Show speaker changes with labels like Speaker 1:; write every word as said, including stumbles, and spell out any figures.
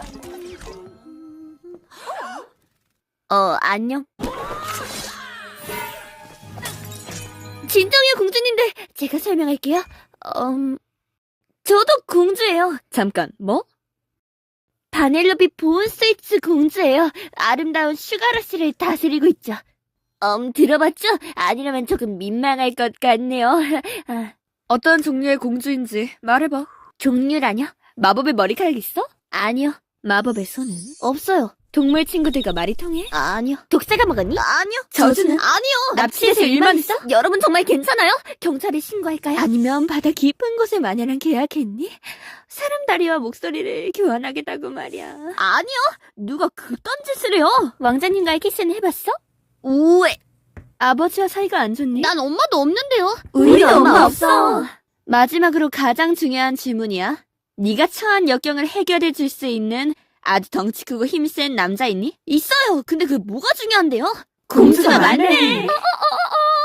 Speaker 1: 어, 안녕. 진정해요, 공주님들. 제가 설명할게요. 음, 저도 공주예요. 잠깐, 뭐? 바넬로비 보온 스위츠 공주예요. 아름다운 슈가러쉬를 다스리고 있죠. 음, 들어봤죠? 아니라면 조금 민망할 것 같네요. 아,
Speaker 2: 어떤 종류의 공주인지 말해봐.
Speaker 1: 종류라뇨? 마법의 머리카락 있어? 아니요. 마법의 손은? 없어요. 동물 친구들과 말이 통해? 아니요. 독사가 먹었니? 아니요.
Speaker 2: 저주는?
Speaker 1: 아니요.
Speaker 2: 납치해서 일만 했어?
Speaker 1: 여러분 정말 괜찮아요? 경찰에 신고할까요? 아니면 바다 깊은 곳에 마녀랑 계약했니? 사람 다리와 목소리를 교환하겠다고 말이야. 아니요. 누가 그딴 짓을 해요? 왕자님과의 키스는 해봤어? 우에. 아버지와 사이가 안 좋니? 난 엄마도 없는데요.
Speaker 2: 우리도 엄마 없어.
Speaker 1: 마지막으로 가장 중요한 질문이야. 네가 처한 역경을 해결해 줄 수 있는 아주 덩치 크고 힘센 남자 있니? 있어요. 근데 그게 뭐가 중요한데요?
Speaker 2: 공주가 많네.
Speaker 1: 어, 어, 어, 어.